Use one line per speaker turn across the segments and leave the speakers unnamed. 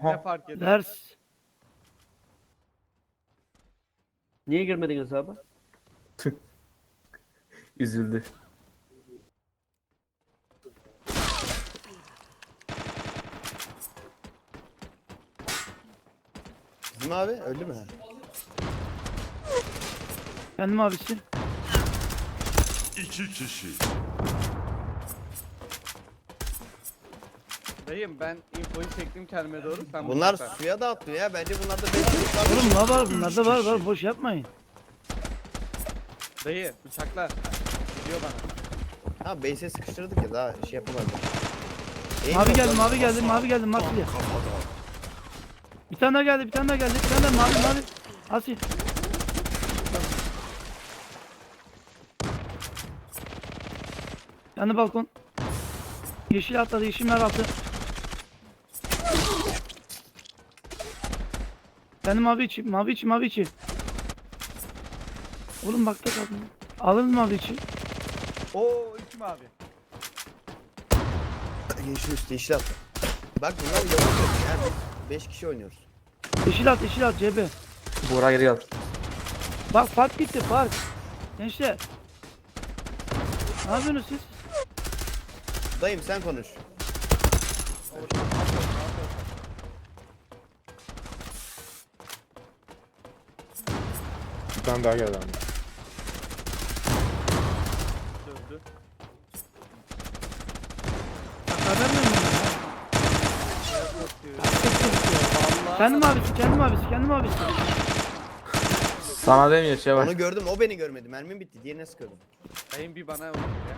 Ne fark eder?
Ders. Niye girmedin hesaba?
Üzüldü.
Bizim abi öldü mü?
Kendim abisi.
İki kişi.
Dayım ben infoyu çektim kendime doğru. Sen
Bunlar
bıçakla.
suya da atlıyor ya. Bence bunlarda 5 yıllık var.
Oğlum ne var bunlarda var boş yapmayın.
Dayı bıçakla. Gidiyor bana.
Ha base'e sıkıştırdık ya daha şey yapamadık.
Mavi geldi mavi geldi mavi geldi mavi geldi.
Kafadan.
Bir tane daha geldi bir tane daha geldi bir tane daha mavi. Asil. Yanı balkon. Yeşil atladı yeşil mer altı. Benim mavi içi mavi içi mavi içi. Oğlum bak da kaldım. Alır mı mavi içi?
Oo iki mavi.
Yeşil üstü yeşil atla. Bak bunlar yavaş ya. 5 kişi oynuyoruz.
Yeşil at CB.
Buğra geri gel.
Bak fark gitti fark. Gençler. Ne yapıyorsunuz siz?
Dayım sen konuş.
Bir tane daha geldi abi.
Dövdü.
Haber mi
Vallahi.
kendim abisi.
Sana demiyor şey var.
Onu gördüm o beni görmedi. Mermim bitti. Diğerine sıkıyordum.
Dayım bir bana vurdu ya.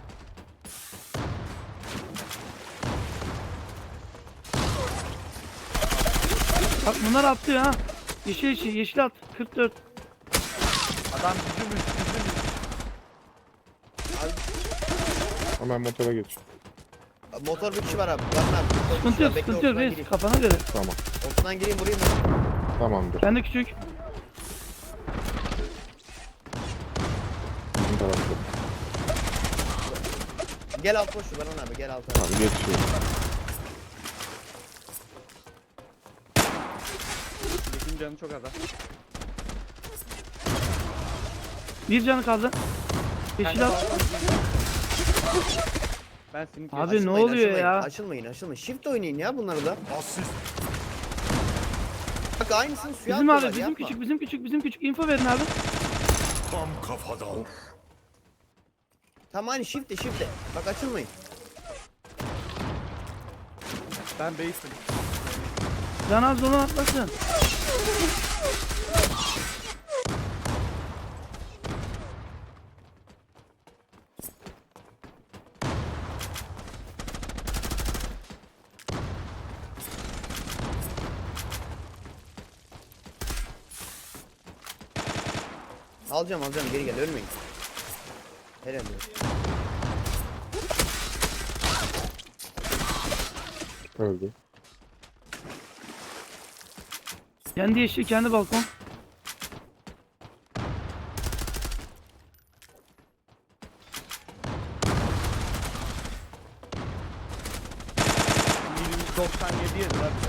Bak bunlar atlıyor ha. Yeşil at. 44.
Adam bizim üstümüzün.
Hemen motora geç.
Motor bir kişi var abi. Var abi.
Sıkıntı yok reis
gireyim.
kafana göre.
Tamam.
Ortadan gireyim vurayım.
Tamamdır.
Ben de küçük.
Bizim tarafta.
Gel alt koş Baran abi gel alt.
Tamam geçiyor.
Yeşil canı çok az.
Bir canı kaldı. Yeşil at.
Ben seni
Abi,
kestim.
ne oluyor ya?
Açılmayın. Shift oynayın ya bunları da.
Asist.
Bak aynısını suya
Bizim
atıyorlar,
abi
yapma.
bizim küçük info verin abi.
Tam kafadan.
Tam aynı shift'e. Bak açılmayın.
Ben base'im.
Can az olan atlasın.
Alacağım geri gel ölmeyin. Helal olsun.
Öldü.
Kendi yeşil kendi balkon.
%97 yedir abi.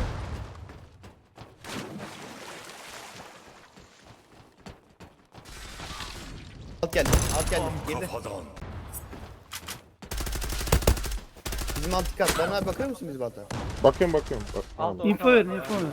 Alt geldi.
Tam
Geride.
kafadan.
Bizim alt kat. Baran abi bakıyor musun bizim alta?
Bakıyorum. Bak,
Al
tamam.
da
Info verin info verin.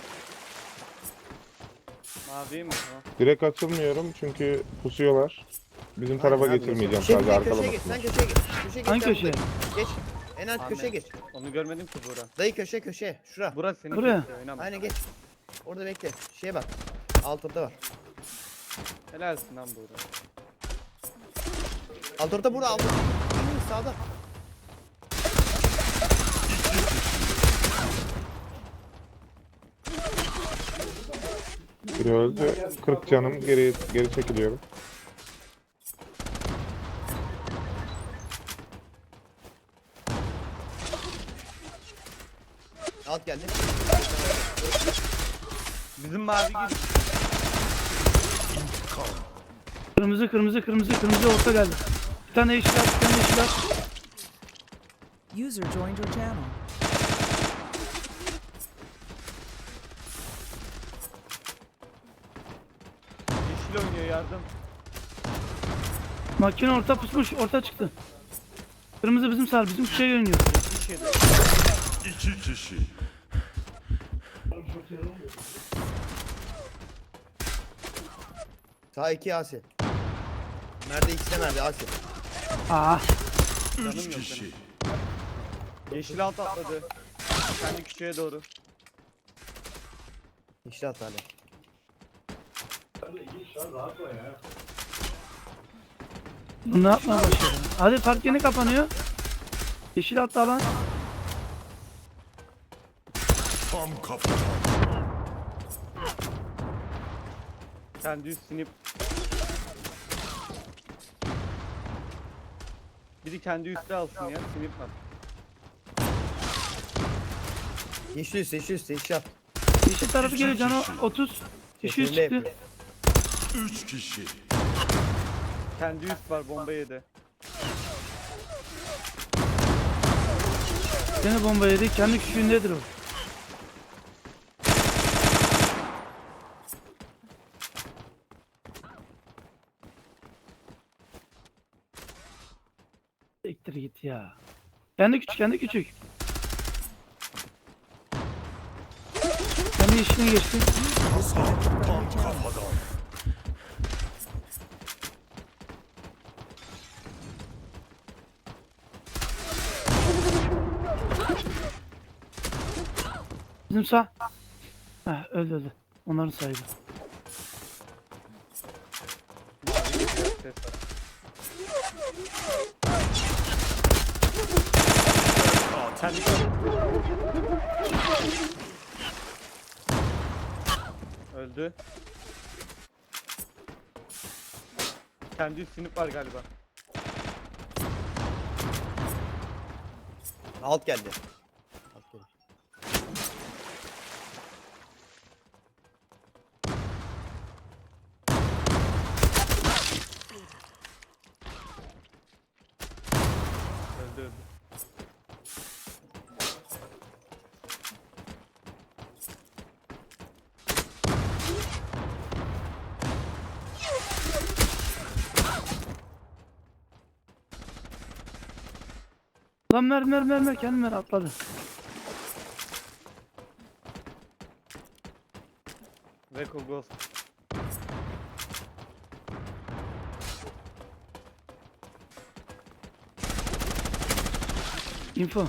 Mavi mi? Tamam.
Direkt açılmıyorum çünkü pusuyorlar. Bizim tarafa
Aynen abi,
geçirmeyeceğim
Şimdi
sadece
köşeye geç. Sen
arkalamasınlar.
köşeye geç. Köşeye geç.
Hangi
sen
köşeye?
buradayım. Geç. En alt köşeye geç.
Onu görmedim ki Buğra.
Dayı köşeye. Şura.
Burası senin
Buraya.
kesiyor, oynama.
Aynen geç. Orada bekle. Şeye bak. Alt orta var.
Helalsin lan Buğra.
Alt orta burada. Alt orta. Sağda.
Biri öldü. 40 canım geri çekiliyorum.
Alt geldi.
Bizim mavi gibi.
Kırmızı orta geldi. Bir tane yeşil at bir tane yeşil at.
User joined your channel.
yardım.
Makine orta pusmuş, orta çıktı. Kırmızı bizim sar, bizim kuşaya yöneliyor.
Bir şey de.
2 kişi.
Sağ 2 Asi. Nerede ikisi de nerede Asi?
Aa,
3 kişi.
Yeşil alt atladı. Kendi küçüğe doğru.
İşte at hadi.
bu ne yapmaya başladı? Hadi park yeni kapanıyor. Yeşil hatta alan.
Tam kafadan.
Kendi üstünü... Biri kendi üstü alsın ya. Sinip var.
Yeşil üstü yeşil at.
Yeşil tarafı geliyor canı 30. Yeşil
Yeşilde
çıktı.
yapıyor.
3 kişi.
Kendi üst var, bomba yedi.
Gene bomba yedi. Kendi küçüğündedir o. Siktir git ya. Kendi küçük, kendi küçük. Kendi yeşiline geçti.
Tam kafadan.
Bizim sağ. Heh, öldü. Onların sahibi.
Ses var. Kendi öldü. Kendi üst sinip var galiba.
Alt geldi. Alt geldi.
Öldü.
Lan mer kendim mer atladı.
Reko Ghost.
Info.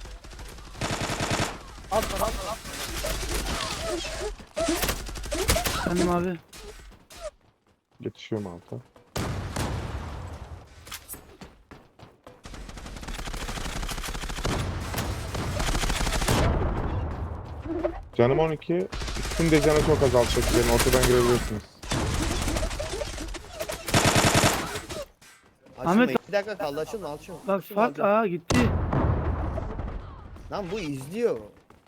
Al.
Kendim abi.
Geçiyorum alta. Canım 12. Üstün de canı çok azaltacak. Yani ortadan girebilirsiniz.
Açılma.
Ahmet-
2 dakika kaldı açılma açılma.
Bak
Açılma,
fark
açılma.
aa gitti.
Lan bu izliyor.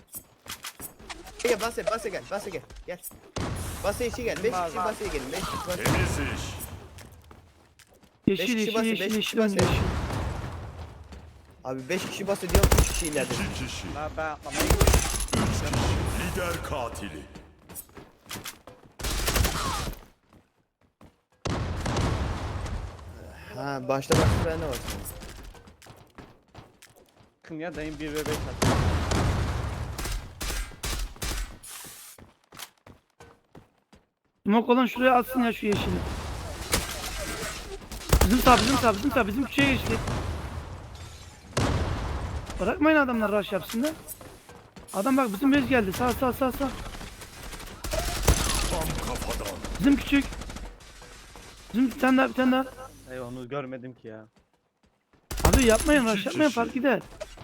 Gel basa gel. Gel. Basa içi gel. 5 kişi basaya gelin. 5 kişi basaya.
Temiz iş.
Yeşil
kişi
yeşil
basın,
yeşil
beş
yeşil
kişi
oynuyor,
basın.
yeşil.
Abi 5 kişi basa diyorum 3 kişi ileride.
2 kişi.
Ben atlamayı
3 kişi. Lider katili.
Ha başta frene var.
yakın ya. Dayım 1 ve 5 attı.
Smoke olan şuraya atsın ya şu yeşili. Bizim küçüğe geçti. Bırakmayın adamlar rush yapsın da. Adam bak bizim bez geldi. Sağ.
Tam kafadan.
Bizim küçük. Bizim bir tane daha.
Ey onu görmedim ki ya.
Abi yapmayın
İki
rush yapmayın
kişi.
fark gider.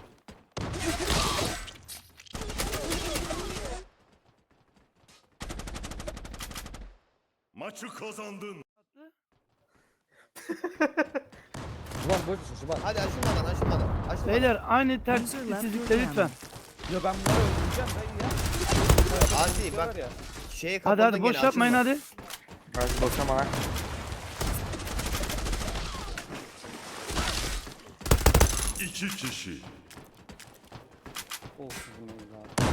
Maçı kazandın.
Hadi açılmadan. Açılmadan.
Beyler aynı tersizlikle lütfen.
Ya ben bunları öldüreceğim dayı ya.
Asi bak
Var ya.
şeye
Hadi
kapattın
boş
gene,
yapmayın
açılma.
hadi.
Hadi bakıyorum bana.
İki kişi.
Oh sizin evladım.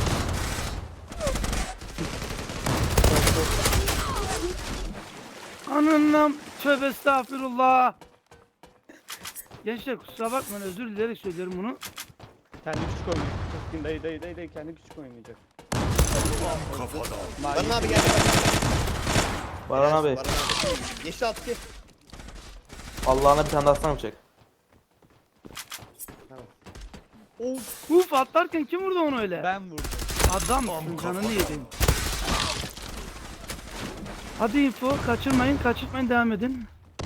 Ananam tövbe estağfirullah. Gençler kusura bakmayın, özür dileyerek söylüyorum bunu.
Kendi küçük oynayacak. Keskin dayı kendi küçük oynayacak.
Tam kafadan.
Baran abi gel.
Baran abi.
Baran abi. Yeşil at ki.
Allah'ına bir tane daha sana çek.
Uf atlarken kim vurdu onu öyle?
Ben vurdum.
Adam
Tam
canını
kafadan.
yedim. Hadi info kaçırmayın devam edin.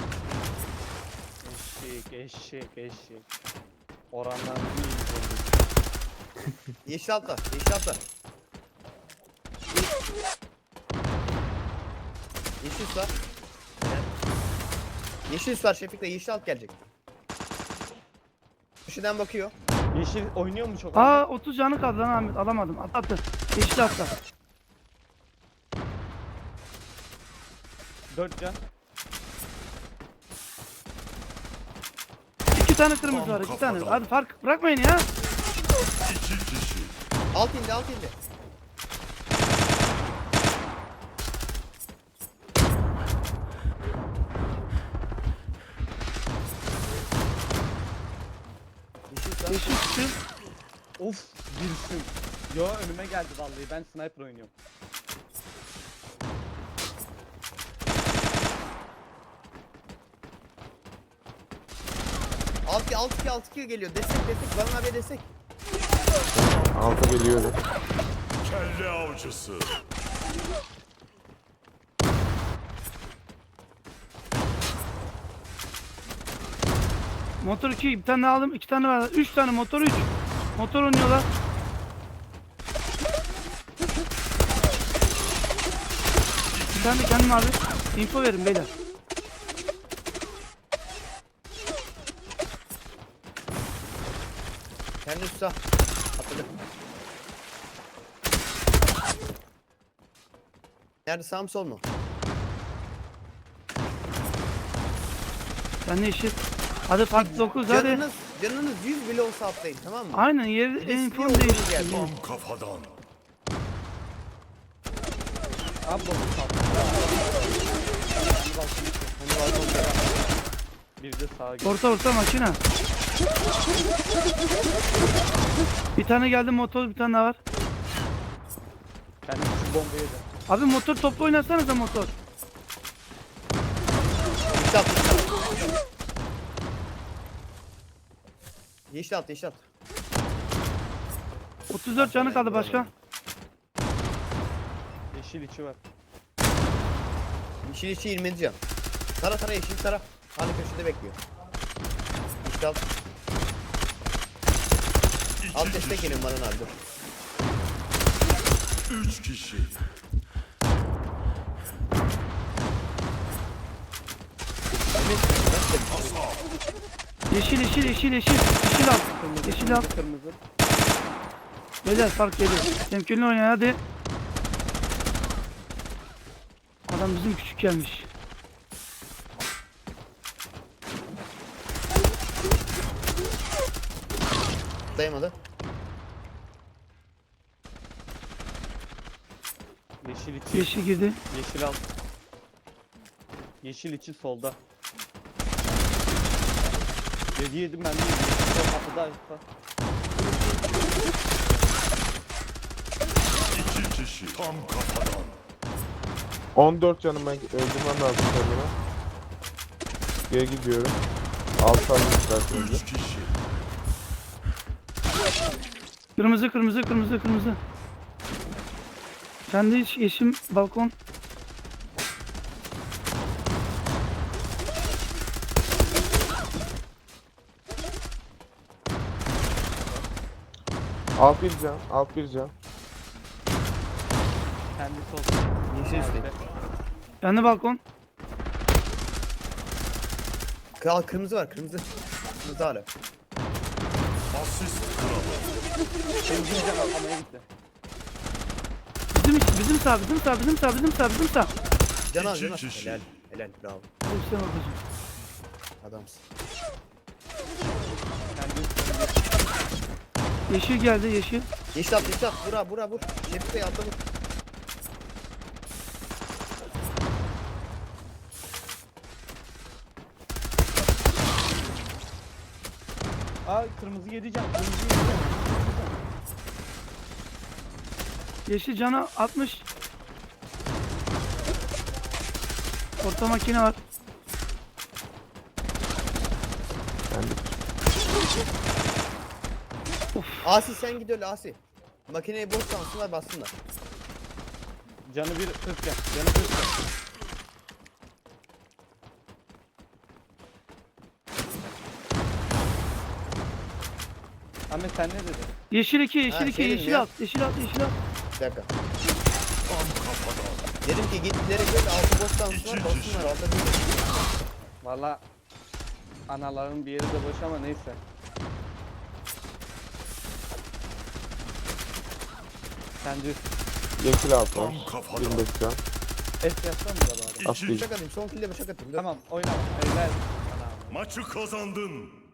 Eşek. Oranlar iyi.
Yeşil atla. Yeşil atla. Yeşil sar. Yeşil sar Şefik'le yeşil alt gelecek. Köşeden bakıyor.
Yeşil oynuyor mu çok?
Aa 30 canı kaldı lan Ahmet, alamadım. Atlattı. Yeşil atla.
4 can.
2 tane kırmızı var, 2 tane. Hadi fark bırakmayın ya.
2 kişi.
Alt indi alt indi. Yeşil sar.
Yeşil çıktı.
Of birsin. Yo önüme geldi vallahi, ben sniper oynuyorum.
Alt iki geliyor. Destek. Baran abiye destek.
Alta geliyor.
Kelle avcısı.
Motor 2, bir tane aldım, 2 tane var. 3 tane motor 3. Motor oynuyorlar. Bir tane de kendim abi. Info verin beyler.
Kendi üstü sağ. Atladı. Nerede, sağ mı sol mu?
Ben de yeşil. Hadi fark 9 hadi.
Canınız 100 bile olsa atlayın, tamam mı?
Aynen yeri
Riskli
info
olduğunuz
değişti.
yer.
Tam kafadan.
Abi bakın sağ. Bir de sağa gel.
Orta makine. Bir tane geldi motor, bir tane daha var.
Kendi küçük bombayı yedi.
Abi motor toplu oynasanıza motor.
Yeşil at. Yeşil at.
34 canı kaldı başka.
Yeşil içi var.
Yeşil içi 20 can. Tara yeşil tara. Hani köşede bekliyor. Yeşil at. Alt
2
destek
kişi.
gelin Baran abi, dur.
3 kişi.
Yeşil al. Yeşil al.
Kırmızı.
Beyler fark geliyor. Temkinli oynayın hadi. Adam bizim küçük gelmiş.
Dayamadı.
Yeşil içi.
Yeşil girdi.
Yeşil alt. Yeşil içi solda. Yedim ben de. Sol kapıda açta.
2 kişi. Tam kafadan.
14 canım, ben öldürmem lazım kendime. Geri gidiyorum. Alt alayım isterseniz.
3 kişi.
Kırmızı. Kendi yeşim balkon.
Alt bir can.
Kendi sol.
Yeşil üstte.
Kendi balkon.
Kırmızı var, kırmızı. Kırmızı hala.
Asist kralı.
Benim bir can atlamaya gitti.
Bizim sağ.
Can al,
İki
can al.
kişi.
Helal, bravo.
Hepsine bakacağım.
Adamsın.
Kendi
Yeşil geldi yeşil.
Yeşil at. Vur. Şefik Bey atla vur.
Aa kırmızı 7 can. Kırmızı 7 can.
Yeşil canı 60. Orta makine var.
Asi sen git öyle Asi. Makineyi boş sansınlar bassınlar.
Canı bir 40 can. Canı 40 can. Ahmet sen ne dedin?
Yeşil 2, yeşil
Ha,
2,
şeyim
yeşil
ya.
alt, yeşil alt, yeşil alt.
Bir dakika.
Tam kafadan.
Dedim ki gittileri böyle altı boş sansınlar bassınlar alta bir.
Valla analarının bir yeri de boş ama neyse. Sen düz.
Yeşil altı var.
Tam kafadan.
25 can.
Es yapsana mı da bari?
Aslı.
Bıçak atayım son kille bıçak atayım. Dur.
Tamam oyna. Eyler.
Maçı kazandın.